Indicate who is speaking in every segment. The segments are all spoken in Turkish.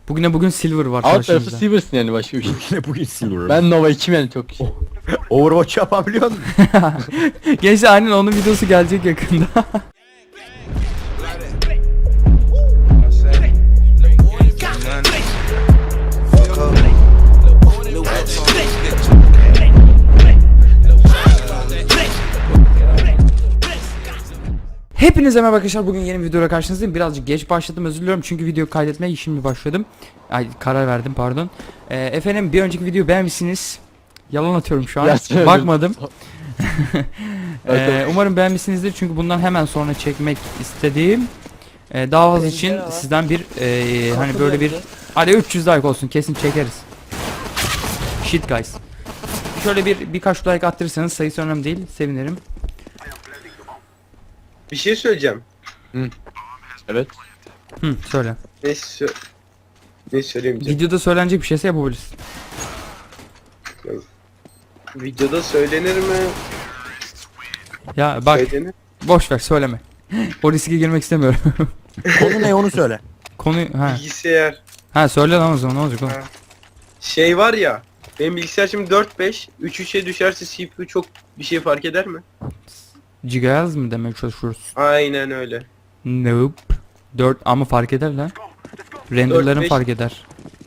Speaker 1: Bugün silver var
Speaker 2: Alt tarafı
Speaker 1: karşımızda.
Speaker 2: Silver'sın yani başka bir şey.
Speaker 3: Yine bugün silver.
Speaker 2: Ben Nova 2'm yani çok şey.
Speaker 3: Overwatch yapabiliyor musun?
Speaker 1: Gençler aynen onun videosu gelecek yakında. Hepinize merhaba arkadaşlar, bugün yeni bir videoyla karşınızdayım. Birazcık geç başladım, özür diliyorum çünkü videoyu kaydetmeye şimdi başladım. Karar verdim, pardon. Efendim, bir önceki videoyu beğenmişsiniz. Yalan atıyorum şu an,
Speaker 2: Gerçekten
Speaker 1: bakmadım.
Speaker 2: Evet.
Speaker 1: Umarım beğenmişsinizdir çünkü bundan hemen sonra çekmek istediğim daha fazla için sizden bir hani böyle bir, hadi 300 like olsun, kesin çekeriz. Shit guys. Şöyle birkaç like attırırsanız, sayısı önemli değil, sevinirim.
Speaker 4: Bir şey söyleyeceğim.
Speaker 2: Evet.
Speaker 1: Söyle.
Speaker 4: Ne söyleyemeyeceğim.
Speaker 1: Videoda söylenecek bir şeyse yapabilirsin.
Speaker 4: Videoda söylenir mi?
Speaker 1: Ya bak,
Speaker 4: Söylenir.
Speaker 1: boş ver, söyleme. O riske girmek istemiyorum.
Speaker 3: Konu ne onu söyle.
Speaker 1: Konuyu
Speaker 4: Bilgisayar.
Speaker 1: söyle lan o zaman, ne olacak oğlum?
Speaker 4: Ha. Şey var ya. Benim bilgisayar şimdi 4-5. 3-3'e düşerse CPU çok bir şey fark eder mi?
Speaker 1: Gigahertz mı demek çalışıyoruz?
Speaker 4: Aynen öyle.
Speaker 1: Nope. 4 ama fark eder lan. Renderların
Speaker 4: 4-5.
Speaker 1: fark eder.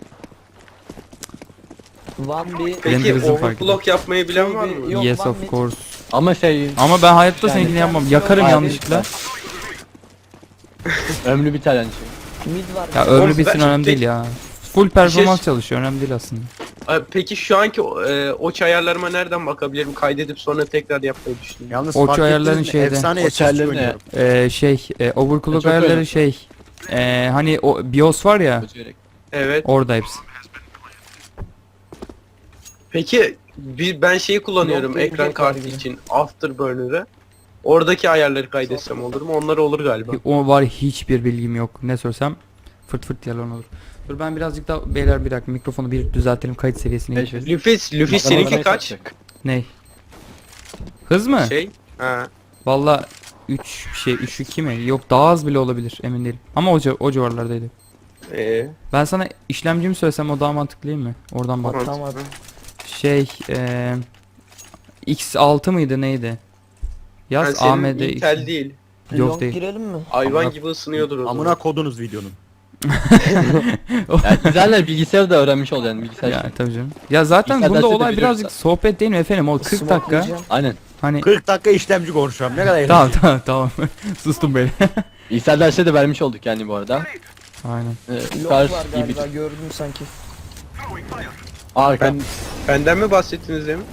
Speaker 4: Peki
Speaker 1: Renderizm fark
Speaker 4: overclock yapmayı bilen var mı?
Speaker 5: Yok,
Speaker 1: Yes
Speaker 5: one
Speaker 1: of
Speaker 5: mid.
Speaker 1: course.
Speaker 2: Ama şey
Speaker 1: Ama ben hayatta
Speaker 2: Yani-
Speaker 1: seninkini yapmam. Yakarım
Speaker 2: Hayır,
Speaker 1: yanlışlıkla.
Speaker 2: ömrü biter yani şey.
Speaker 5: Mid var.
Speaker 1: Ya
Speaker 4: Oğlum,
Speaker 1: ömrü bitsin,
Speaker 4: ben-
Speaker 1: önemli değil ya. Full performans
Speaker 4: şey-
Speaker 1: çalışıyor, önemli değil aslında.
Speaker 4: Peki şu anki oç ayarlarıma nereden bakabilirim? Kaydedip sonra tekrar yapmayı düşünüyorum.
Speaker 3: Yalnız
Speaker 1: O
Speaker 3: fark
Speaker 1: ayarların
Speaker 3: ettiniz mi?
Speaker 1: şeyde.
Speaker 3: Efsane
Speaker 2: O
Speaker 3: SSC
Speaker 2: çerlerine-
Speaker 3: oynuyorum.
Speaker 1: Overclock
Speaker 2: Çok
Speaker 1: ayarları
Speaker 2: önemli.
Speaker 1: hani o BIOS var ya,
Speaker 2: Ötüyerek.
Speaker 4: Evet.
Speaker 1: orada hepsi.
Speaker 4: Peki ben şeyi kullanıyorum
Speaker 5: Yok,
Speaker 4: ekran
Speaker 5: yok,
Speaker 4: kartı
Speaker 5: yok.
Speaker 4: için Afterburner'ı. Oradaki ayarları kaydetsem olur mu? Onlar olur galiba.
Speaker 1: O var, hiçbir bilgim yok. Ne sorsam fırt fırt yalan olur. Dur ben birazcık daha, beyler bir dakika, mikrofonu bir düzeltelim, kayıt seviyesine
Speaker 2: Beş-
Speaker 1: geçelim.
Speaker 4: Luffy seninki
Speaker 2: Bakalım
Speaker 4: kaç?
Speaker 2: ne yapacak.
Speaker 1: Ney? Hız mı?
Speaker 4: Şey? Ha.
Speaker 1: Valla 3-2 mi? Yok, daha az bile olabilir, emin değilim. Ama o civarlardaydı. Ben sana işlemcimi söylesem o daha mantıklı değil mi? Oradan bak.
Speaker 4: Tamam.
Speaker 5: Tamam.
Speaker 1: X6 mıydı neydi? Yaz
Speaker 4: Yani senin
Speaker 1: AMD
Speaker 4: Intel değil.
Speaker 1: Yok
Speaker 5: Long
Speaker 1: değil.
Speaker 5: girelim mi?
Speaker 4: Hayvan gibi ısınıyordur o
Speaker 3: Amına
Speaker 4: zaman.
Speaker 3: kodunuz videonun.
Speaker 2: Yani izlerler bilgisayarı da öğrenmiş ol yani bilgisayar.
Speaker 1: Ya tabii canım. Ya zaten
Speaker 2: Bilgisayar
Speaker 1: bunda
Speaker 2: dersi de
Speaker 1: olay
Speaker 2: biliyoruz
Speaker 1: birazcık sohbet değil mi efendim? O 40 dakika.
Speaker 5: Smokelayacağım.
Speaker 2: Aynen.
Speaker 1: Hani
Speaker 3: 40 dakika işlemci konuşuyorum. Ne kadar
Speaker 1: tamam
Speaker 3: eğlenceli.
Speaker 1: tamam. Sustum beni.
Speaker 2: Bilgisayar dersi de vermiş olduk yani bu arada.
Speaker 1: Aynen.
Speaker 5: Long
Speaker 2: Kars
Speaker 5: var
Speaker 2: iyi bir
Speaker 5: galiba, gördüm sanki.
Speaker 2: arka.
Speaker 4: Benden mi bahsettiniz demin?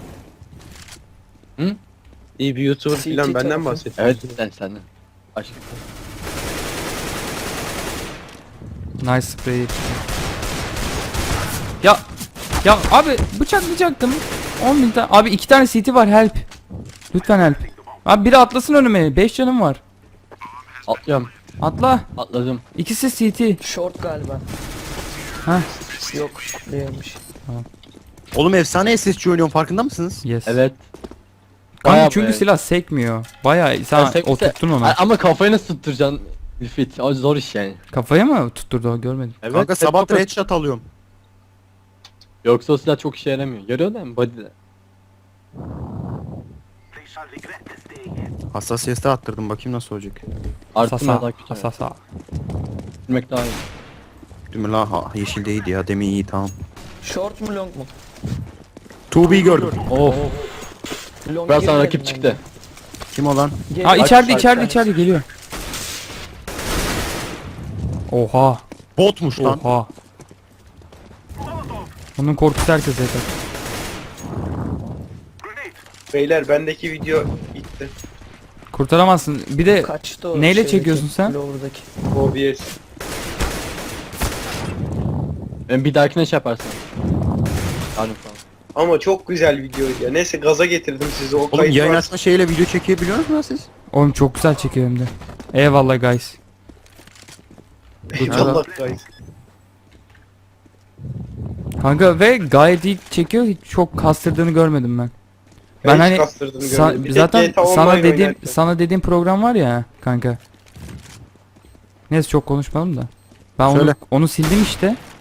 Speaker 2: Hı?
Speaker 4: İyi bir YouTuber
Speaker 5: CT
Speaker 4: falan benden
Speaker 5: tarafı.
Speaker 4: bahsettiniz.
Speaker 2: Evet senden. Başka.
Speaker 1: Nice spray. Ya abi, bıçaklayacaktım. 10.000 tane. Abi 2 tane CT var, help. Lütfen help. Abi biri atlasın önüme. 5 canım var.
Speaker 2: Atlıyorum.
Speaker 1: Atla.
Speaker 2: Atladım.
Speaker 1: İkisi CT.
Speaker 5: Short galiba.
Speaker 1: Ha.
Speaker 5: Yok, değilmiş.
Speaker 3: Oğlum efsane SSC oynuyorum, farkında mısınız?
Speaker 1: Yes.
Speaker 2: Evet.
Speaker 1: Kanka
Speaker 2: Bayağı
Speaker 1: çünkü
Speaker 2: bayağı.
Speaker 1: silah sekmiyor. Bayağı sen
Speaker 2: Ya sekse-
Speaker 1: oturttun onu.
Speaker 2: Ama kafayı nasıl tutturacaksın? Fit. O zor iş yani.
Speaker 1: Kafaya mı tutturdu o, görmedim.
Speaker 2: Evet.
Speaker 3: Kanka sabah
Speaker 2: çok-
Speaker 3: headshot alıyorum.
Speaker 2: Yoksa o silah çok işe yaramıyor. Görüyor musun body'de?
Speaker 3: Hassasiyete attırdım, bakayım nasıl olacak.
Speaker 2: Arttırma daha
Speaker 1: Sasa.
Speaker 2: kötü.
Speaker 1: Sasa.
Speaker 2: Bilmek daha iyi.
Speaker 3: Değil mi la? Yeşil değildi ya, demin iyi, tamam.
Speaker 5: Short mu long mu?
Speaker 3: 2B gördüm.
Speaker 2: Oh.
Speaker 5: Long
Speaker 2: Biraz sonra
Speaker 5: girelim
Speaker 2: rakip
Speaker 5: bence.
Speaker 2: çıktı.
Speaker 3: Kim o lan?
Speaker 5: Gel-
Speaker 1: Aa, içeride
Speaker 2: Bak,
Speaker 1: içeride
Speaker 2: bak.
Speaker 1: içeride geliyor. Oha.
Speaker 3: Botmuş lan.
Speaker 1: Oha. Onun korkusu herkese yeter.
Speaker 4: Beyler bendeki video gitti.
Speaker 1: Kurtaramazsın. Bir de
Speaker 5: Kaçtı o
Speaker 1: neyle
Speaker 5: şeydeki,
Speaker 1: çekiyorsun sen?
Speaker 5: Lower'daki.
Speaker 4: OBS.
Speaker 2: Ben bir dahakine şey yaparsın. Yani falan.
Speaker 4: Ama çok güzel videoydu ya. Neyse gaza getirdim sizi. O
Speaker 3: Oğlum
Speaker 4: kayıt
Speaker 3: yayın
Speaker 4: var.
Speaker 3: açma şeyle video çekebiliyor musunuz lan siz?
Speaker 1: oğlum çok güzel çekiyor hem de. Eyvallah guys.
Speaker 4: Eyvallah guys.
Speaker 1: Kanka ve gayet iyi çekiyor. Hiç çok kastırdığını görmedim ben. Ben
Speaker 4: hiç
Speaker 1: hani
Speaker 4: kastırdığını görmedim. Bir tek
Speaker 1: zaten
Speaker 4: GTA
Speaker 1: sana
Speaker 4: Online
Speaker 1: dediğim
Speaker 4: oynarken.
Speaker 1: program var ya kanka. Neyse çok konuşmadım da. Ben
Speaker 3: Söyle.
Speaker 1: onu sildim işte.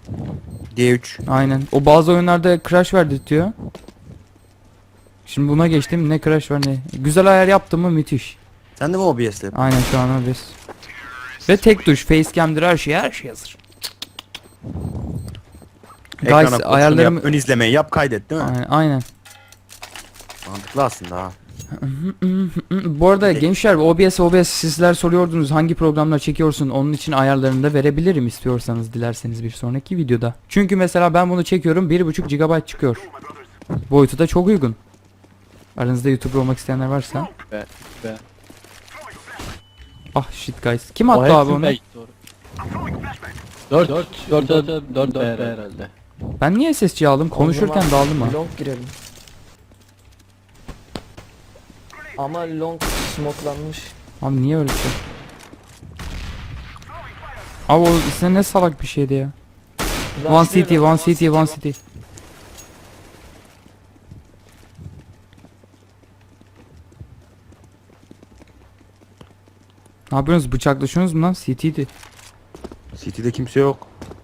Speaker 3: D3.
Speaker 1: Aynen. O bazı oyunlarda crash verdirtiyor. Şimdi buna geçtim. Ne crash var ne. Güzel ayar yaptım mı müthiş.
Speaker 3: Sen de mi OBS'le yapıyorsun?
Speaker 1: Aynen şu an OBS. Ve tek tuş facecam'dir, her şey hazır.
Speaker 3: Ekrana
Speaker 1: Guys
Speaker 3: koşunu
Speaker 1: ayarlarımı
Speaker 3: yap, ön izlemeyi yap, kaydet değil mi?
Speaker 1: aynen.
Speaker 3: Mantıklı aslında ha.
Speaker 1: Bu arada gençler OBS sizler soruyordunuz hangi programlar çekiyorsun, onun için ayarlarını da verebilirim istiyorsanız, dilerseniz bir sonraki videoda. Çünkü mesela ben bunu çekiyorum 1.5 GB çıkıyor. Boyutu da çok uygun. Aranızda YouTuber olmak isteyenler varsa.
Speaker 2: Be.
Speaker 1: Ah shit guys. Kim attı abi onu?
Speaker 2: 4 herhalde.
Speaker 1: Ben niye SSC aldım? Konuşurken
Speaker 5: O zaman
Speaker 1: daldım ha.
Speaker 5: Long girelim. Ama long smokelanmış.
Speaker 1: Abi niye öyle bir şey? Abi o size ne salak bir şeydi ya. One city, one city, one city. Ne yapıyorsunuz? Bıçaklaşıyorsunuz mu lan? CT'di.
Speaker 3: City'de kimse yok.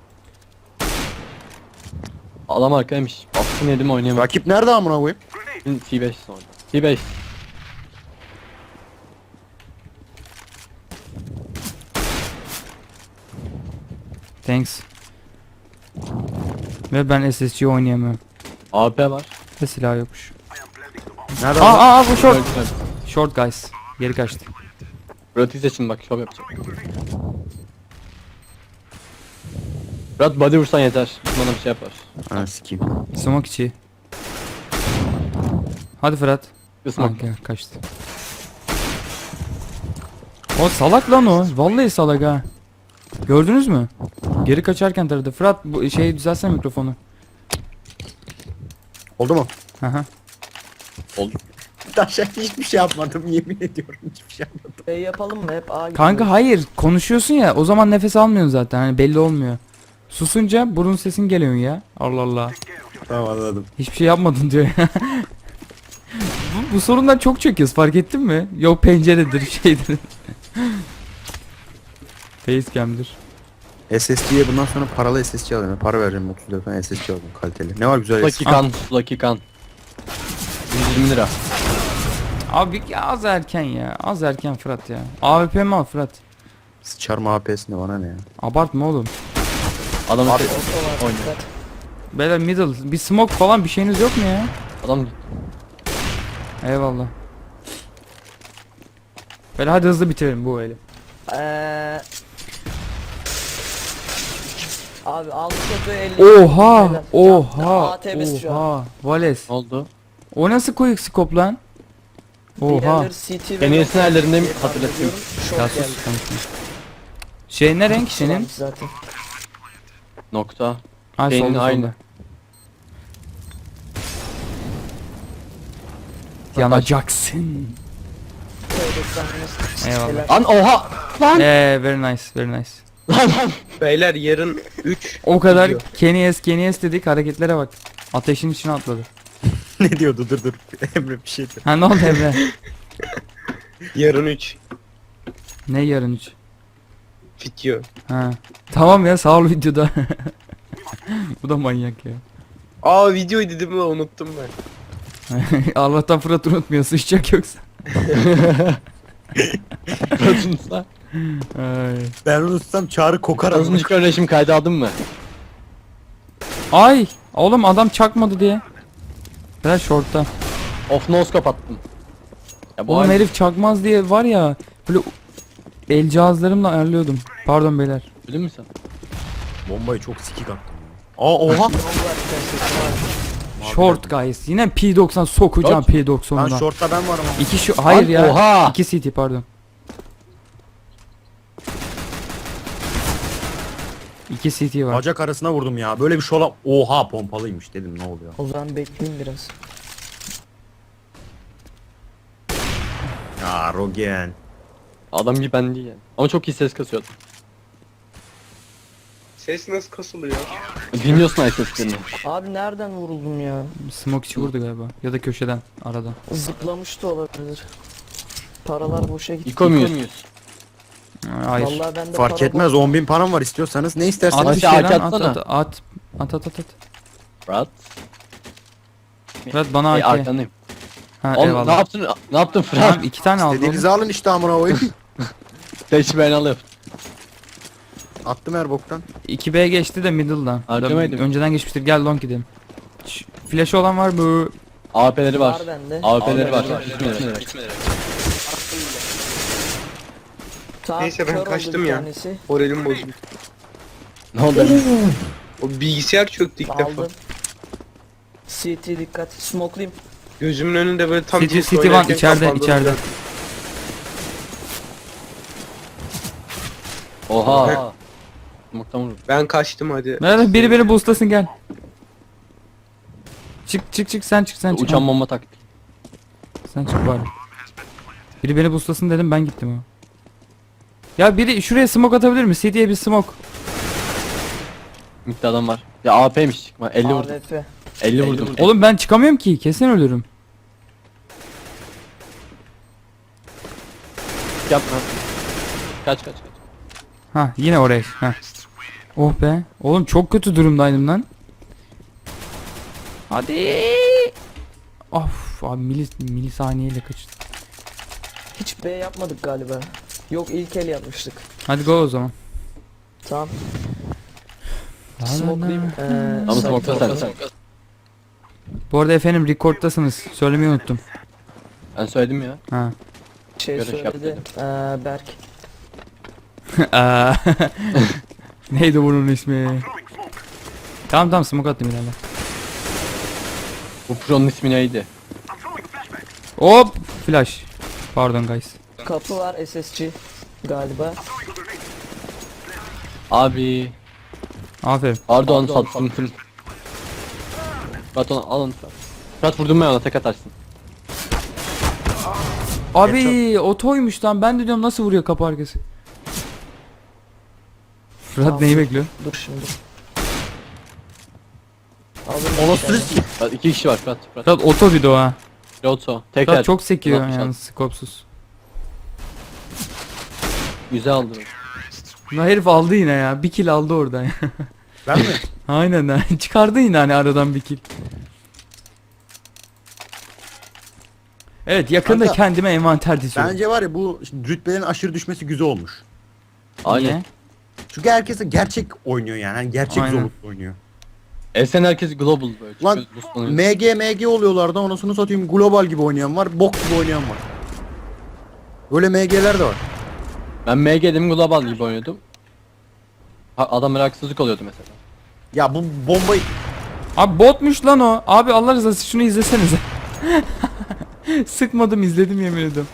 Speaker 2: Adam arkaymış. Baskın yedim oynayamadım.
Speaker 3: Rakip nerede amına koyayım?
Speaker 2: T5 sonra. T5.
Speaker 1: Thanks. Ve ben SSC oynayamıyorum.
Speaker 2: AP var.
Speaker 1: Ve silah yokmuş.
Speaker 3: Nerede?
Speaker 1: Aa bu short.
Speaker 2: Öldü.
Speaker 1: Short guys. Geri kaçtı.
Speaker 2: Murat için bak şov yapacak. Murat body vursan yeter. Bana bir şey yapar.
Speaker 3: Ha sikeyim.
Speaker 1: Smoke içi. Hadi Fırat.
Speaker 2: Kısmak.
Speaker 1: Ah, kaçtı. O salak lan o. Vallahi salak ha. Gördünüz mü? Geri kaçarken taradı. Fırat bu şey düzelsene mikrofonu.
Speaker 3: Oldu mu?
Speaker 1: Aha.
Speaker 3: Taşa hiçbir şey yapmadım, yemin ediyorum hiçbir şey yapmadım.
Speaker 5: B yapalım mı? Hep A
Speaker 1: Kanka
Speaker 5: gidiyoruz.
Speaker 1: hayır, konuşuyorsun ya, o zaman nefes almıyorsun zaten, hani belli olmuyor. Susunca burun sesin geliyor ya. Allah Allah.
Speaker 3: Tamam anladım.
Speaker 1: Hiçbir şey yapmadın diyor ya. bu sorundan çok çekiyoruz, fark ettin mi? Yok penceredir şeydir. Facecam'dir.
Speaker 3: SSD'ye bundan sonra paralı SSD alayım. Para vereceğim 30 lira falan SSD aldım kaliteli. Ne var güzel
Speaker 2: Lucky
Speaker 3: SSD?
Speaker 2: kan. Lucky kan. 120 lira.
Speaker 1: Abi az erken ya. Az erken Fırat ya. AWP mi al Fırat?
Speaker 3: Sıçarma APS'ine bana ne ya?
Speaker 1: Abartma oğlum.
Speaker 2: Adam
Speaker 5: Oto var.
Speaker 2: oynuyor.
Speaker 5: dikkat.
Speaker 1: Beyler middle. Bir smoke falan bir şeyiniz yok mu ya?
Speaker 2: Adam
Speaker 1: Eyvallah. Böyle hadi hızlı bitirelim bu eli.
Speaker 5: Abi aldı kötü 50.
Speaker 1: Oha!
Speaker 5: Helal.
Speaker 1: Oha!
Speaker 5: ATB'si şu an.
Speaker 1: Oha! Vales.
Speaker 2: oldu.
Speaker 1: O nasıl quick scope lan? Oha.
Speaker 5: Diğerleri CT ve
Speaker 2: En iyisini
Speaker 5: long
Speaker 2: ellerinde mi
Speaker 5: diye tahmin
Speaker 2: hatırlatayım?
Speaker 5: ediyorum.
Speaker 1: Ya
Speaker 5: Short geldi.
Speaker 1: sus konuşma. Şey ne renk senin?
Speaker 5: Varmış zaten.
Speaker 2: Nokta.
Speaker 1: Ay
Speaker 2: Senin
Speaker 1: solda
Speaker 2: aynı.
Speaker 1: solda. Yanacaksın. Eyvallah.
Speaker 5: Helal.
Speaker 2: Lan oha! Lan!
Speaker 1: Very nice, very nice.
Speaker 2: Lan lan!
Speaker 4: Beyler yarın 3
Speaker 1: O kadar
Speaker 4: Video.
Speaker 1: Kenny S dedik, hareketlere bak. Ateşin içine atladı.
Speaker 3: Ne diyordu dur. Emre bir şeydi.
Speaker 1: Ha ne oldu Emre?
Speaker 4: yarın 3
Speaker 1: Ne yarın 3?
Speaker 4: video.
Speaker 1: Ha. Tamam ya, sağ ol videoda. Bu da manyak ya.
Speaker 4: Aa videoydu değil mi? Unuttum ben.
Speaker 1: Allah'tan Fırat unutmuyor, sıçacak yoksa.
Speaker 2: Murat'ınsa.
Speaker 1: Ay.
Speaker 3: Ben unutsam çağrı kokar
Speaker 2: Az önce kardeşim kaydı aldın mı?
Speaker 1: Ay! Oğlum adam çakmadı diye. Ben short'ta.
Speaker 2: Off noscope attım. Ya bu
Speaker 1: Oğlum
Speaker 2: hal-
Speaker 1: herif çakmaz diye var ya, böyle el cihazlarımla ayarlıyordum. Pardon beyler.
Speaker 2: Bildin mi sen?
Speaker 3: Bombayı çok sikik attım ya. Aa oha!
Speaker 1: Short guys. Yine P90 sokacağım
Speaker 3: Lan
Speaker 1: P90'dan.
Speaker 3: shortta ben varım ama.
Speaker 1: İki şu hayır
Speaker 2: Lan,
Speaker 1: ya.
Speaker 2: oha!
Speaker 1: 2 CT pardon. 2 CT var.
Speaker 3: Bacak arasına vurdum ya. Böyle bir şola... Oha pompalıymış dedim, ne oluyor?
Speaker 5: O zaman bekleyin biraz.
Speaker 3: Ya Rogen.
Speaker 2: Adam gibi ben değil yani. Ama çok iyi ses kasıyordu.
Speaker 4: Ses nasıl kasılıyor?
Speaker 2: Dinliyorsun ay seslerini.
Speaker 5: Abi nereden vuruldum ya?
Speaker 1: Smoke içi vurdu galiba. Ya da köşeden aradan.
Speaker 5: Zıplamış da olabilir. Paralar boşa gitti.
Speaker 2: İko muyuz?
Speaker 1: Hayır.
Speaker 5: Vallahi bende
Speaker 3: Fark
Speaker 5: para
Speaker 3: etmez, 10.000 param var, istiyorsanız ne isterseniz.
Speaker 1: At bir
Speaker 2: Aşağı
Speaker 1: şey lan, at
Speaker 2: atsana.
Speaker 1: at.
Speaker 2: Fırat.
Speaker 1: Fırat bana AK.
Speaker 2: Arkandayım.
Speaker 1: Ha
Speaker 2: Oğlum
Speaker 1: eyvallah.
Speaker 2: ne yaptın? Ne yaptın Fırat?
Speaker 1: Tamam 2 tane aldım.
Speaker 3: İstediğinizi alın işte amına koyayım.
Speaker 2: Teşi ben alıyorum.
Speaker 3: Attım her boktan.
Speaker 1: 2B geçti de middle'dan.
Speaker 2: Harcamaydım.
Speaker 1: Önceden geçmiştir. Gel long gidelim. Flash'ı olan var mı?
Speaker 2: AWP'leri var.
Speaker 5: var bende.
Speaker 2: AWP'leri var.
Speaker 5: Tamam,
Speaker 4: Neyse, ben
Speaker 5: kör oldu
Speaker 4: kaçtım
Speaker 5: bir
Speaker 4: ya.
Speaker 5: tanesi.
Speaker 4: Moralim bozuldu.
Speaker 2: Ne oldu?
Speaker 4: O bilgisayar çöktü ilk defa.
Speaker 5: Aldım. CT dikkat. Smoke'layım.
Speaker 4: Gözümün önünde böyle tam
Speaker 1: City
Speaker 4: Jinx
Speaker 1: One
Speaker 4: oynarken
Speaker 1: içeride
Speaker 4: kapandı.
Speaker 1: içeride.
Speaker 2: Oha. Mukta vurdu.
Speaker 4: Ben kaçtım hadi.
Speaker 1: Merhaba biri beni boostlasın gel. Çık sen çık.
Speaker 2: Uçan bomba taktik.
Speaker 1: Sen çık bari. Biri beni boostlasın dedim ben gittim o. Ya biri şuraya smoke atabilir mi? CT'ye bir smoke.
Speaker 2: Mukta adam var. Ya AWP'ymiş çıkma. 50 vurdum.
Speaker 5: AWP.
Speaker 2: 50 vurdum.
Speaker 1: Oğlum ben çıkamıyorum ki kesin ölürüm.
Speaker 2: Yapma. Kaç.
Speaker 1: Ha yine oraya. Ha. Oh be. Oğlum çok kötü durumdaydım lan. Hadi. Of abi milisaniyeyle kaçtı.
Speaker 5: Hiç B yapmadık galiba. Yok ilk el yapmıştık.
Speaker 1: Hadi go o zaman.
Speaker 5: Tamam.
Speaker 1: La la
Speaker 5: Smoke'layım.
Speaker 1: la.
Speaker 2: Ama
Speaker 5: Site
Speaker 2: smoke'la sen.
Speaker 5: tarafı.
Speaker 1: Bu arada efendim record'tasınız. Söylemeyi unuttum.
Speaker 2: Ben söyledim ya.
Speaker 1: Ha.
Speaker 5: Şey
Speaker 2: Görüş yap
Speaker 5: söyledi. Berk.
Speaker 1: Neydi bunun ismi? Tamam smoke attım ilerle.
Speaker 2: Bu pro'nun ismi neydi?
Speaker 1: Hop flash. Pardon guys.
Speaker 5: Kapı var SSG galiba.
Speaker 2: Abi.
Speaker 1: Aferin.
Speaker 2: Pardon sattım. Fırat onu alın Fırat. Fırat vurdum ben ona tek atarsın.
Speaker 1: Abi otoymuş lan. Ben de diyorum nasıl vuruyor kapı arkası. Fırat
Speaker 5: Tamam.
Speaker 1: neyi bekliyor?
Speaker 5: Dur şimdi.
Speaker 3: Ona
Speaker 5: Aldım.
Speaker 3: sürüz.
Speaker 2: Fırat 2 kişi var Fırat.
Speaker 1: Fırat oto bir de o ha.
Speaker 2: Piloto. Tekrar.
Speaker 1: Fırat çok sekiyor
Speaker 2: Fırat
Speaker 1: yani skopsuz.
Speaker 2: Güzel aldı.
Speaker 1: Lan herif aldı yine ya. Bir kill aldı oradan ya.
Speaker 3: Ben mi?
Speaker 1: Aynen ha. Çıkardı yine hani aradan bir kill. Evet yakında
Speaker 3: Kanka,
Speaker 1: kendime envanter diziyorum.
Speaker 3: Bence var ya, bu rütbelerin aşırı düşmesi güzel olmuş.
Speaker 2: Aynen.
Speaker 1: Niye?
Speaker 3: Çünkü herkes gerçek oynuyor yani. Hani gerçek
Speaker 1: Aynen.
Speaker 3: zorluk oynuyor.
Speaker 2: Esen herkes global böyle.
Speaker 3: Lan,
Speaker 2: Çıkıyoruz, boostlanıyoruz.
Speaker 3: MG oluyorlardı, anasını satayım, global gibi oynayan var, bok gibi oynayan var. Böyle MG'ler de var.
Speaker 2: Ben MG'dim global gibi oynuyordum. Adamlara haksızlık oluyordu mesela.
Speaker 3: Ya bu bombayı...
Speaker 1: Abi botmuş lan o. Abi Allah rızası için şunu izlesenize. Sıkmadım izledim yemin ediyorum.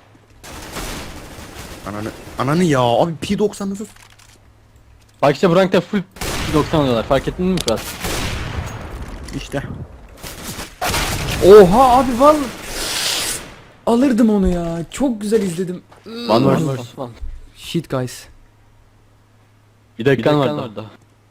Speaker 3: Ananı ya abi, P90 nasıl?
Speaker 2: Bak işte bu rankta full 90 alıyorlar. Fark ettin mi Fırat?
Speaker 3: İşte.
Speaker 1: Oha abi vallahi alırdım onu ya. Çok güzel izledim.
Speaker 2: One vs one.
Speaker 1: Shit guys.
Speaker 2: Bir dakikan var daha.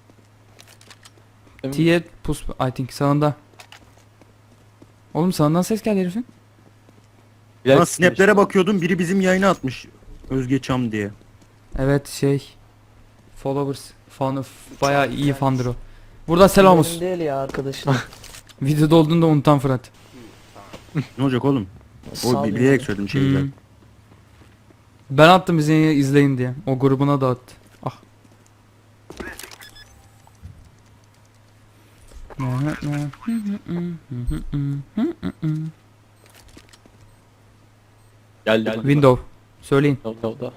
Speaker 1: T'ye pus I think sağında. Oğlum sağından ses geldi herifin.
Speaker 3: Bana snaplere bakıyordum, biri bizim yayına atmış. Özge Çam diye.
Speaker 1: Evet şey. Followers. Fan, bayağı iyi fandır o. Burada selam olsun.
Speaker 5: Benim değil ya arkadaşım.
Speaker 1: Videoda olduğunu da unutan Fırat.
Speaker 3: Ne olacak oğlum? O
Speaker 5: Sağ
Speaker 3: bilerek söyledim şeyi zaten.
Speaker 1: Ben attım izleyin diye. O grubuna da attı. Ah.
Speaker 2: Geldi.
Speaker 1: Window. Söyleyin.
Speaker 2: Window'da.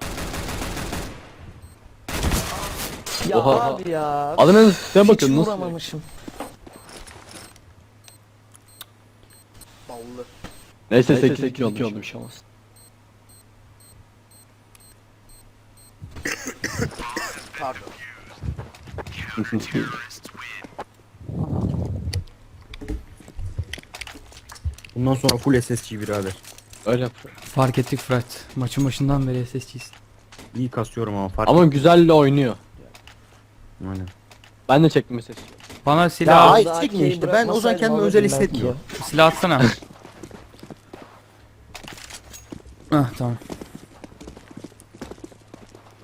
Speaker 5: Ya
Speaker 2: Oha.
Speaker 5: abi ya.
Speaker 2: Adamın sen
Speaker 5: Hiç
Speaker 2: bakın nasıl?
Speaker 5: vuramamışım.
Speaker 2: Neyse 8-2 oldu bir şey olmaz.
Speaker 3: Bundan sonra full SSG birader.
Speaker 2: Öyle yapıyor.
Speaker 1: Fark ettik Fırat. Maçın başından beri SSG'yiz.
Speaker 3: İyi kasıyorum ama fark
Speaker 2: Ama güzelle oynuyor.
Speaker 3: Aynen.
Speaker 2: Ben de çektim ses.
Speaker 1: Bana
Speaker 3: Ya
Speaker 1: silah
Speaker 3: ay
Speaker 5: Daha
Speaker 3: çekmiyor
Speaker 5: keyif
Speaker 3: işte, ben o zaman
Speaker 5: bırakmasaydım
Speaker 3: kendimi özel
Speaker 5: alırdım belki
Speaker 3: hissetmiyorum.
Speaker 1: silah atsana. Ah tamam.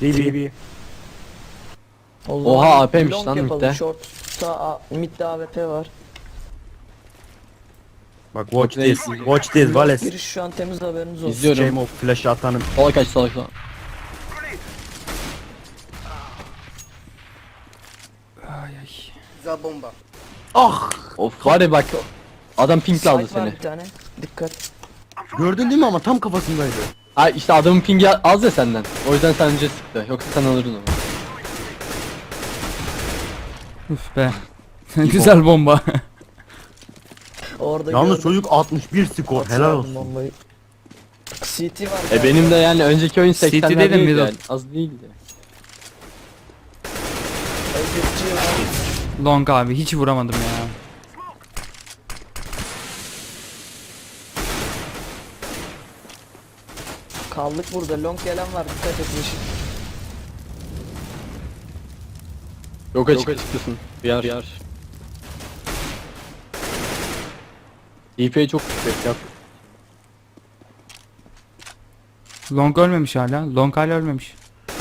Speaker 3: DB.
Speaker 5: O zaman
Speaker 2: Oha, AP'miş
Speaker 5: long
Speaker 2: lan
Speaker 5: yapalım.
Speaker 2: midde.
Speaker 5: Short'ta midde AWP var.
Speaker 3: Bak watch
Speaker 2: Okey.
Speaker 3: this. Watch this
Speaker 5: Long
Speaker 3: Vales.
Speaker 5: giriş şu an temiz, haberiniz olsun.
Speaker 2: İzliyorum.
Speaker 3: Sıçayım o flash'ı atanın.
Speaker 2: Sola kaç, sola kaç.
Speaker 1: Ay ay.
Speaker 2: Of, var ya bak. Adam pinkle aldı
Speaker 5: Site var
Speaker 2: seni.
Speaker 5: bir tane. Dikkat.
Speaker 3: Gördün değil mi ama tam kafasındaydı.
Speaker 2: Ha işte adamın pingi az ya senden. O yüzden sen önce sıktı. Yoksa sen alırdın onu.
Speaker 1: Üf be. Güzel bomba.
Speaker 5: Orada
Speaker 3: Yalnız
Speaker 5: gördüm.
Speaker 3: çocuk 61 skor. Helal
Speaker 5: Atıyorum
Speaker 3: olsun.
Speaker 5: bombayı. CT var.
Speaker 2: Benim de yani önceki oyun
Speaker 1: CT
Speaker 2: 80'lerde
Speaker 1: dedim,
Speaker 2: değildi
Speaker 1: middle.
Speaker 2: yani. Az değildi.
Speaker 5: Exit'ci var.
Speaker 1: Long abi hiç vuramadım ya.
Speaker 5: Kaldık burada. Long gelen var. Dikkat et Yeşil.
Speaker 2: Yok açıkçası. Bir yer. DP çok yüksek ya.
Speaker 1: Long ölmemiş hala. Long hala ölmemiş.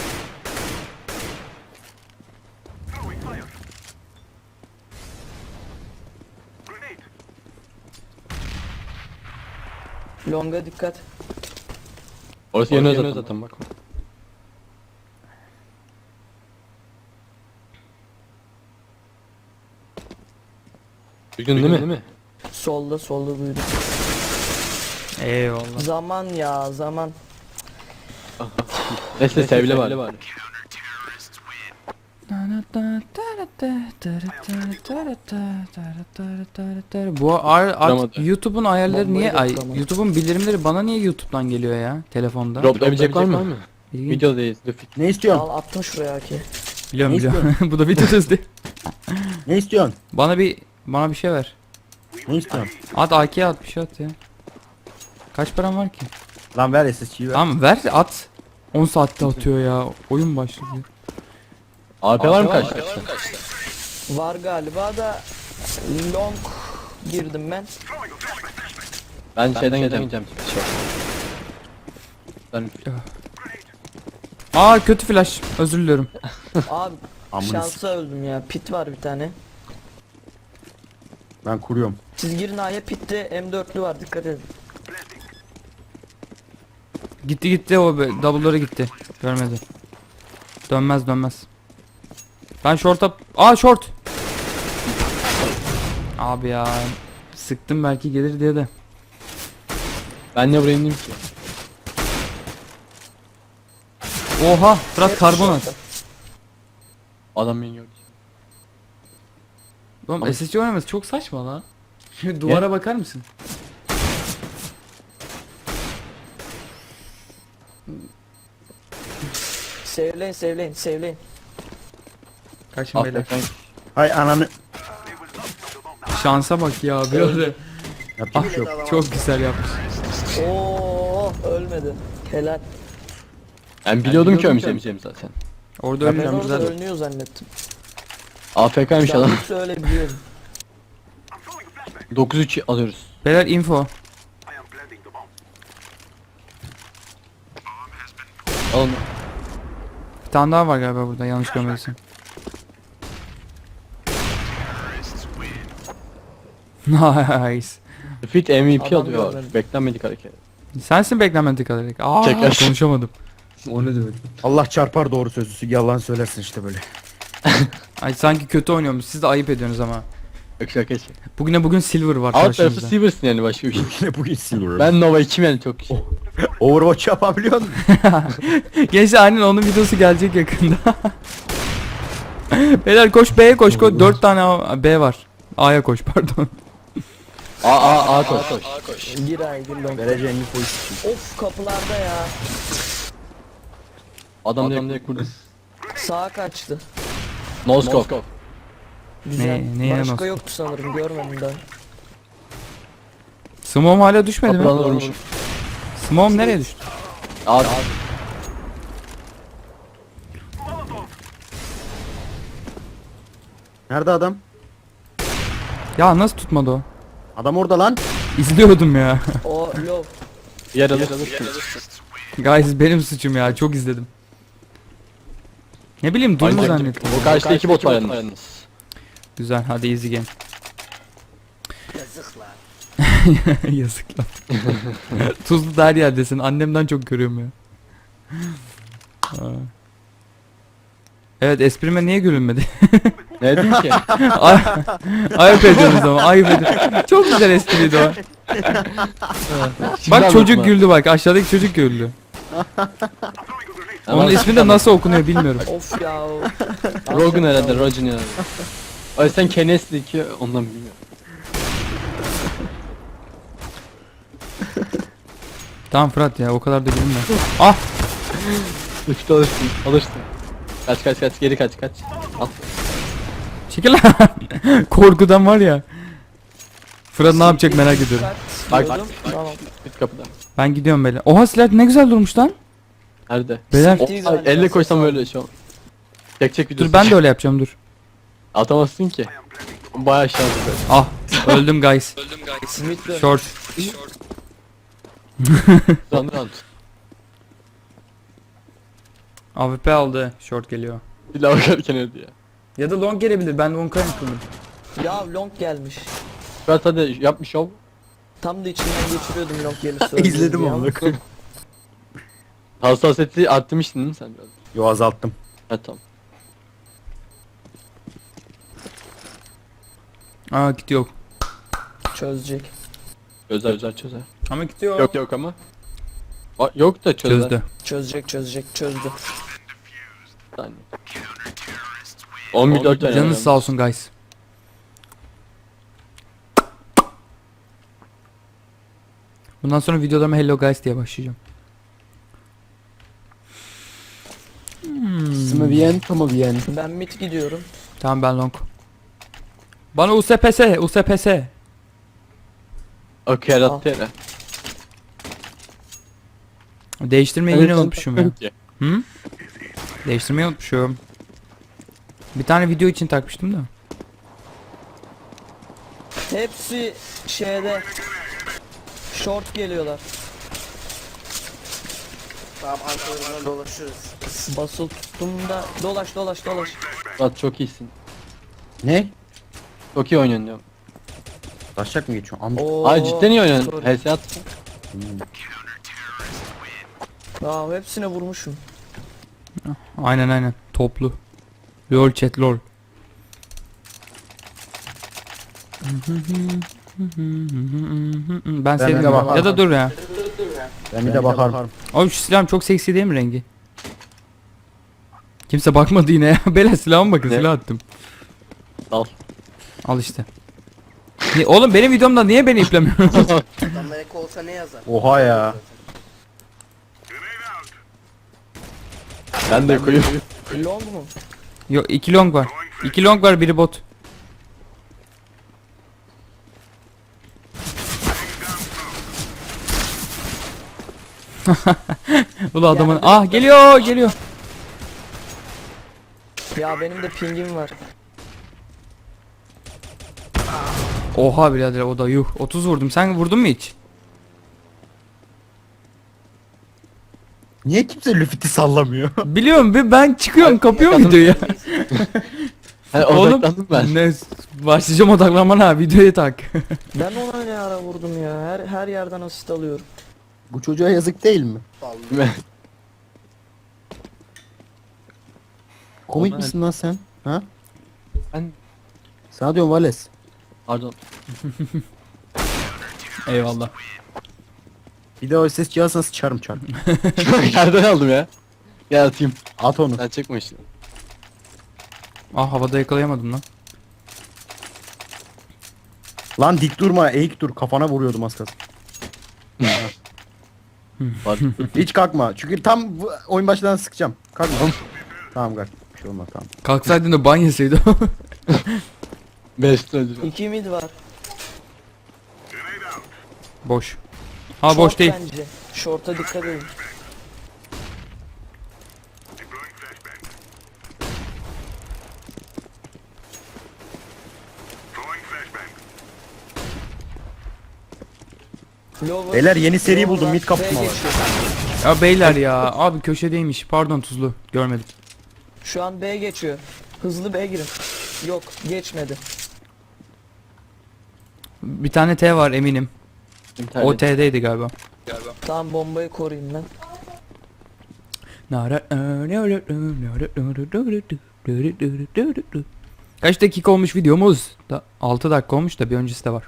Speaker 5: Long'a dikkat.
Speaker 2: Orası yanıyor zaten bak. Duydun değil mi?
Speaker 5: Solda duydum.
Speaker 1: Eyvallah.
Speaker 5: Zaman ya zaman.
Speaker 2: Neyse sevle var.
Speaker 1: Bu
Speaker 2: Vuramadı.
Speaker 1: YouTube'un ayarları
Speaker 5: Bombayı
Speaker 1: niye
Speaker 5: da
Speaker 1: ay
Speaker 5: vuramadı.
Speaker 1: YouTube'un bildirimleri bana niye YouTube'dan geliyor ya telefonda?
Speaker 2: Droplayabilecek var mı?
Speaker 1: İlginç.
Speaker 2: Videodayız. Lütfen.
Speaker 3: Ne istiyorsun?
Speaker 5: Al attım şuraya ki.
Speaker 1: Biliyorum
Speaker 3: Ne
Speaker 1: biliyorum. Bu da video hızlı.
Speaker 3: Ne istiyorsun?
Speaker 1: Bana bir şey ver.
Speaker 3: Ne istiyorsun?
Speaker 1: At AK'ye at bir şey at ya. Kaç param var ki?
Speaker 3: Lan ver SSG'yi ver.
Speaker 1: Tamam ver at. 10 saatte atıyor ya. Oyun başladı.
Speaker 2: AP var mı kaçta?
Speaker 5: Var galiba da long girdim ben.
Speaker 2: Ben şeyden geleceğim. Ben
Speaker 1: Aa kötü flash. Özür diliyorum.
Speaker 5: Abi
Speaker 3: Amına
Speaker 5: şansa öldüm ya. Pit var bir tane.
Speaker 3: Ben kuruyorum.
Speaker 5: Siz girin A'ya, pitte M4'lü var, dikkat edin.
Speaker 1: Gitti o double'ları gitti. Görmedi. Dönmez. Ben short'a... Aa short! Abi ya. Sıktım belki gelir diye de.
Speaker 2: Ben ne buraya indim ki?
Speaker 1: Oha! Fırat karbon at.
Speaker 2: Adam beni gördü.
Speaker 1: Oğlum SSC oynaması çok saçma lan. Şimdi duvara bakar mısın?
Speaker 5: Sevleyin.
Speaker 1: Kaçın beyler.
Speaker 2: Affet.
Speaker 3: Hay ananı.
Speaker 1: Şansa bak ya böyle.
Speaker 3: Yapacak bir şey yok.
Speaker 1: Çok güzel yapmış.
Speaker 5: Oo, ölmedi. Helal.
Speaker 2: Ben biliyordum ki ölmeyeceğim zaten.
Speaker 1: Orada
Speaker 5: Ben
Speaker 1: ölmüyorum
Speaker 5: orada
Speaker 1: güzel.
Speaker 5: ölünüyor zannettim.
Speaker 2: AFK'ymış
Speaker 5: Ben
Speaker 2: adam.
Speaker 5: yoksa öyle biliyorum.
Speaker 2: 9-3 alıyoruz.
Speaker 1: Beyler info.
Speaker 2: Alın.
Speaker 1: Bir tane daha var galiba burada yanlış görmediysem. Nice.
Speaker 2: Fit MVP
Speaker 5: Adam
Speaker 2: alıyor.
Speaker 5: görmedim.
Speaker 2: Beklenmedik hareket.
Speaker 1: Sensin beklenmedik olarak. Aa
Speaker 2: Çeker.
Speaker 1: konuşamadım.
Speaker 3: O ne demek? Allah çarpar doğru sözlüsü. Yalan söylersin işte böyle.
Speaker 1: Ay sanki kötü oynuyormuş. Siz de ayıp ediyorsunuz ama.
Speaker 2: Yok şaka.
Speaker 1: Bugün silver var
Speaker 2: Alt tarafı
Speaker 1: karşımızda.
Speaker 2: Silver'sın yani başka bir şey.
Speaker 3: Yine bugün silver.
Speaker 2: Ben Nova 2'm yani çok şey.
Speaker 3: Overwatch yapabiliyor musun?
Speaker 1: Gençler aynen onun videosu gelecek yakında. Beyler koş B'ye koş. 4 tane B var. A'ya koş pardon.
Speaker 2: A koş.
Speaker 5: Gir A'ya, gir long.
Speaker 3: Vereceğin bir pozisyon.
Speaker 5: Of, kapılarda ya.
Speaker 2: Adam direkt vurdu.
Speaker 5: Sağa kaçtı.
Speaker 2: No scope.
Speaker 5: Güzel.
Speaker 1: neye
Speaker 5: Başka
Speaker 1: nasıl?
Speaker 5: yoktu sanırım, görmedim daha.
Speaker 1: Smoke hala düşmedi mi?
Speaker 2: Kapıdan vurmuşum.
Speaker 1: Smoke nereye düştü?
Speaker 2: A.
Speaker 3: Nerede adam?
Speaker 1: Ya nasıl tutmadı o?
Speaker 3: Adam orada lan.
Speaker 1: İzliyordum ya.
Speaker 5: O low.
Speaker 2: Yer alır.
Speaker 1: Guys benim suçum ya çok izledim. Ne bileyim Doom'u
Speaker 2: Aynen.
Speaker 1: zannettim.
Speaker 2: O karşıda 2 bot var yalnız.
Speaker 1: Güzel hadi easy game. Yazık lan. Tuzlu da her yerdesin. Annemden çok görüyorum ya. Aa. Evet esprime niye gülünmedi?
Speaker 2: Ne dedim ki?
Speaker 1: Ayıp ediyorsunuz ama ayıp ediyorsunuz. Çok güzel espriydi o. Bak çocuk güldü bak aşağıdaki çocuk güldü. Onun ismi de nasıl okunuyor bilmiyorum.
Speaker 5: Of ya.
Speaker 2: Rogan herhalde, Rogan herhalde. Ay sen Kenes'li ki ondan bilmiyorum.
Speaker 1: Tamam Fırat ya o kadar da gülme. Ah
Speaker 2: Üçte alırsın, alırsın. Kaç, geri kaç. Al.
Speaker 1: çekil lan. Korkudan var ya. Fırat ne yapacak merak ediyorum.
Speaker 2: Bak,
Speaker 5: Diyordum. Tamam.
Speaker 2: Git kapıdan.
Speaker 1: Ben gidiyorum böyle. Oha silah ne güzel durmuş lan.
Speaker 2: Nerede?
Speaker 1: Beyler
Speaker 5: Siktir
Speaker 2: Ay,
Speaker 5: galiba,
Speaker 2: elle
Speaker 5: ses
Speaker 2: koysam
Speaker 5: al.
Speaker 2: öyle şu an. Çek videosu.
Speaker 1: dur ben de öyle yapacağım dur.
Speaker 2: Atamazsın ki. Bayağı şanslı.
Speaker 1: Ah öldüm guys.
Speaker 5: Mid dön.
Speaker 1: Short.
Speaker 2: Round.
Speaker 1: AWP aldı. Short geliyor.
Speaker 2: Bir daha bakarken öldü ya.
Speaker 1: Ya da long gelebilir. Ben long kaymıştım.
Speaker 5: Ya long gelmiş.
Speaker 2: Fırat hadi yapmış şov.
Speaker 5: Tam da içinden geçiriyordum long gelirse.
Speaker 3: İzledim onu.
Speaker 2: Hassasiyeti arttırmıştın değil mi sen biraz?
Speaker 3: Yo azalttım.
Speaker 2: Ha tamam.
Speaker 1: Aa kit yok.
Speaker 5: Çözecek.
Speaker 2: Çözer.
Speaker 1: Ama kit yok.
Speaker 2: Yok ama. Yok da çözer.
Speaker 1: Çözdü.
Speaker 5: Çözdü.
Speaker 2: Bir saniye. 14 tane.
Speaker 1: Canınız sağ olsun guys. Bundan sonra videolarıma hello guys diye başlayacağım.
Speaker 2: Muy bien, muy bien.
Speaker 5: Ben mid gidiyorum.
Speaker 1: Tamam ben long. Bana USPS.
Speaker 2: Okey yarattı yere.
Speaker 1: Değiştirmeyi yine unutmuşum ya. Hı? Değiştirmeyi unutmuşum. Bir tane video için takmıştım da.
Speaker 5: Hepsi şeyde. Short geliyorlar.
Speaker 6: Tamam arkalarından dolaşıyoruz.
Speaker 5: Basıl tuttum da dolaş.
Speaker 2: Fırat çok iyisin.
Speaker 3: Ne?
Speaker 2: Çok iyi oynuyorsun diyorum.
Speaker 3: Taşacak mı geçiyor? Am
Speaker 5: Oo,
Speaker 2: Ay cidden iyi oynuyorsun.
Speaker 5: sorry.
Speaker 2: HS at.
Speaker 5: Ya hepsine vurmuşum.
Speaker 1: Aynen. Toplu. Lol chat lol. Ben sevdim.
Speaker 3: de bakarım.
Speaker 1: Ya da dur ya.
Speaker 3: ben bir de bakarım.
Speaker 1: Abi şu silahım çok seksi değil mi rengi? Kimse bakmadı yine ya. Bela silahıma bakın
Speaker 2: Ne?
Speaker 1: silah attım.
Speaker 2: Al.
Speaker 1: Al işte. Oğlum benim videomda niye beni iplemiyorsun?
Speaker 6: Adamlar eko olsa ne yazar?
Speaker 3: Oha ya.
Speaker 2: Ben de koyayım.
Speaker 5: Long mu?
Speaker 1: Yok 2 long var. 2 long var biri bot. Ulan adamın ah geliyor.
Speaker 5: Ya benim de pingim var.
Speaker 1: Oha birader o da yuh 30 vurdum. Sen vurdun mu hiç?
Speaker 3: Niye kimse Luffy'ti sallamıyor?
Speaker 1: Biliyorum ben çıkıyorum kapıyorum videoyu.
Speaker 2: Ha,
Speaker 1: Oğlum
Speaker 2: odaklandım ben.
Speaker 1: ne başlayacağım odaklanmana ha videoya tak.
Speaker 5: Ben ona ne ara vurdum ya. Her yerden asist alıyorum.
Speaker 3: Bu çocuğa yazık değil mi? Komik
Speaker 2: Ona-
Speaker 3: misin lan sen? Ha?
Speaker 2: Ben
Speaker 3: Sana diyorum Vales.
Speaker 2: pardon.
Speaker 1: Eyvallah.
Speaker 3: Bir de o ses cihazına sıçarım çarp.
Speaker 2: Yerden aldım ya. Gel atayım.
Speaker 3: At onu.
Speaker 2: Sen çekme işte.
Speaker 1: Ah havada yakalayamadım lan.
Speaker 3: Lan dik durma eğik dur kafana vuruyordum az kalsın.
Speaker 2: Var.
Speaker 3: Hiç kalkma çünkü tam oyun başından sıkacağım. Kalkma. Tamam kalk. Bir şey olmaz tamam.
Speaker 1: Kalksaydın da ban yeseydi.
Speaker 2: 5 öldürüyor.
Speaker 5: 2 mid var.
Speaker 1: Boş. Ha boş
Speaker 5: Short
Speaker 1: değil.
Speaker 5: Bence. Short'a dikkat edin. Lower.
Speaker 3: Beyler yeni seri buldum mid
Speaker 5: B
Speaker 3: kapışma var.
Speaker 5: geçiyor.
Speaker 1: Ya beyler ya abi köşedeymiş. Pardon tuzlu. Görmedim.
Speaker 5: Şu an B geçiyor. Hızlı B girin. Yok geçmedi.
Speaker 1: Bir tane T var eminim.
Speaker 2: İnternet.
Speaker 1: O T'deydi galiba.
Speaker 5: Tamam bombayı koruyayım ben.
Speaker 1: Kaç dakika olmuş videomuz? 6 dakika olmuş da bir öncesi de var.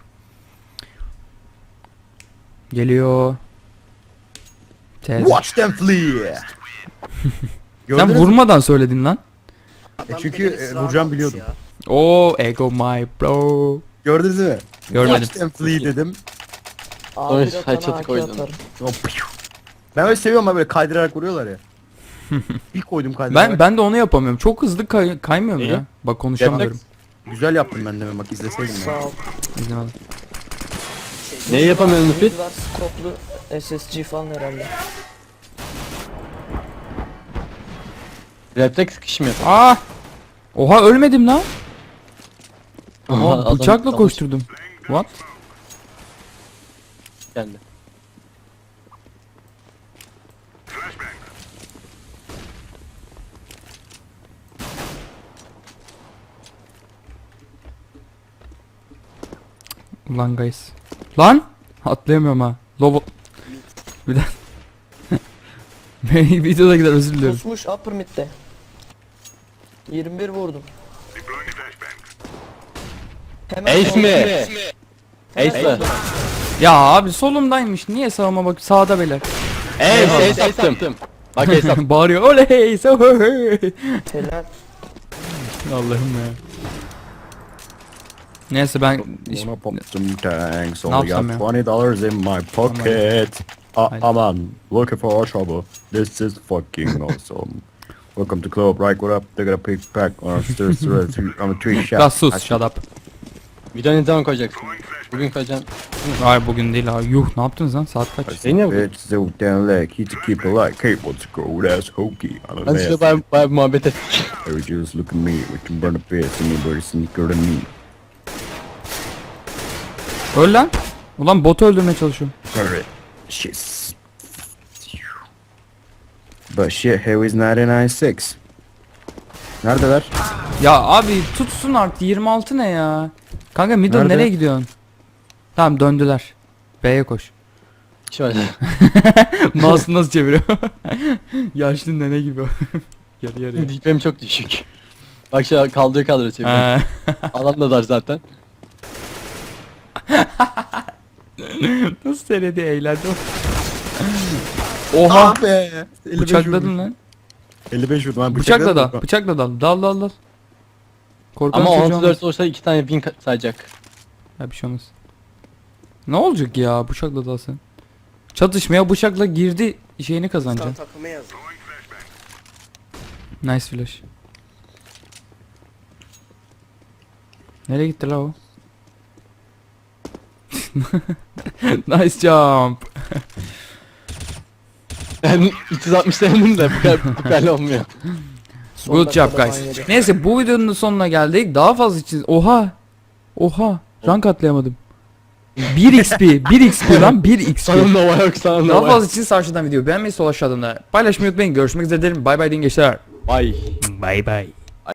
Speaker 1: Geliyor. Tez.
Speaker 3: Watch them flee.
Speaker 1: Sen
Speaker 3: Gördünüz mü?
Speaker 1: vurmadan söyledin lan.
Speaker 6: Adam
Speaker 3: çünkü,
Speaker 6: beni ısrar
Speaker 3: vuracağım
Speaker 6: almış
Speaker 3: biliyordum.
Speaker 6: ya.
Speaker 1: Oo ego my bro.
Speaker 3: Gördünüz mü?
Speaker 1: Görmedim.
Speaker 3: Watch them flee dedim.
Speaker 5: Abi
Speaker 2: Oy,
Speaker 5: bir
Speaker 2: hay
Speaker 5: atana
Speaker 2: çatı
Speaker 5: AK
Speaker 2: koydum.
Speaker 5: atarım.
Speaker 3: Ben öyle seviyorum ama böyle kaydırarak vuruyorlar ya. Bir koydum kaydırarak.
Speaker 1: Ben de onu yapamıyorum. Çok hızlı kaymıyorum
Speaker 2: İyi.
Speaker 1: ya. Bak konuşamıyorum.
Speaker 3: Güzel yaptım ben de bak izleseydim ya.
Speaker 5: Sağ ol.
Speaker 1: İzlemedim.
Speaker 2: Neyi yapamıyorum Müfit?
Speaker 5: Mid var skoplu SSG falan herhalde.
Speaker 2: Refleks sıkışım yap.
Speaker 1: Aa! Oha ölmedim lan.
Speaker 2: Adam
Speaker 1: Aa, bıçakla
Speaker 2: dalış
Speaker 1: koşturdum. What?
Speaker 2: Geldi.
Speaker 1: Ulan guys. Lan! Atlayamıyorum ha. Lobo. Bir daha. Videoda gider özür diliyorum.
Speaker 5: Pusmuş upper mid'de. 21 vurdum. Hemen
Speaker 2: Ace mi? Ace mi?
Speaker 1: Ya abi solumdaymış. Niye sağıma bak sağda beyler.
Speaker 2: Ace attım. Bak ace attım.
Speaker 1: Bağırıyor. Oley! Oley!
Speaker 5: Helal.
Speaker 1: Allah'ım ya. Neyse ben
Speaker 3: Wanna pop some tanks.
Speaker 1: Ne
Speaker 3: Only
Speaker 1: yapsam
Speaker 3: got
Speaker 1: ya?
Speaker 3: $20 in my pocket.
Speaker 1: Haydi.
Speaker 3: Aman, looking for trouble. This is fucking awesome. Welcome to club, right? What up? They got a pick pack on a three shot.
Speaker 1: Gas sus shut up.
Speaker 2: Video ne zaman koyacaksın? Bugün koyacaksın.
Speaker 1: Hayır bugün değil abi. Yuh ne yaptınız lan saat kaç?
Speaker 2: Senin ya bugün.
Speaker 3: Bitch, so down leg. He to keep it like cable to go. That's hokey. On a
Speaker 2: Hadi şurada bayağı bir muhabbet ettik.
Speaker 3: Every just look at me. We can burn a fist. Anybody sneaker than me.
Speaker 1: Öl lan. Ulan botu öldürmeye çalışıyorum.
Speaker 3: Alright. Shit. But shit, here is 996. Neredeler?
Speaker 1: Ya abi tutsun artık 26 ne ya? Kanka middle
Speaker 3: Nerede?
Speaker 1: nereye gidiyorsun? Tamam döndüler. B'ye koş.
Speaker 2: Şöyle.
Speaker 1: Mouse'u nasıl çeviriyor? Yaşlı nene gibi. Yarı yarıya.
Speaker 2: Dipem çok düşük. Bak şu kaldırıyor çeviriyor.
Speaker 1: Ha.
Speaker 2: Adam da dar zaten.
Speaker 1: Nasıl söyledi eğlendi Oha.
Speaker 3: be. 55
Speaker 1: Bıçakladın
Speaker 3: vurdum.
Speaker 1: lan.
Speaker 3: 55 vurdum. Ben
Speaker 1: Bıçakla
Speaker 3: bıçakladım.
Speaker 1: da. Bıçakla dal. Dal dal dal. Korkan
Speaker 2: Ama
Speaker 1: çocuğu
Speaker 2: 14
Speaker 1: olmaz.
Speaker 2: olursa 2 tane win sayacak.
Speaker 1: Ya bir şey olmaz. Ne olacak ya bıçakla dalsın. Çatışmaya bıçakla girdi şeyini
Speaker 6: Sen
Speaker 1: kazanacaksın.
Speaker 6: takıma yazın.
Speaker 1: Nice flash. Nereye gitti la o? Nice jump.
Speaker 2: Ben 360 denedim de bu kadar olmuyor.
Speaker 5: Son
Speaker 1: Good job
Speaker 5: dakikada
Speaker 1: guys.
Speaker 5: ban yedi.
Speaker 1: Neyse bu videonun da sonuna geldik. Daha fazla için oha. Oha. Rank atlayamadım. 1 XP. 1 XP lan 1 XP.
Speaker 2: Sana Nova yok sana
Speaker 1: Daha
Speaker 2: Nova.
Speaker 1: fazla için sağ aşağıdan video beğenmeyi sol aşağıdan da paylaşmayı unutmayın. Görüşmek üzere derim. Bay bay deyin gençler.
Speaker 2: Vay.
Speaker 1: Bay bay.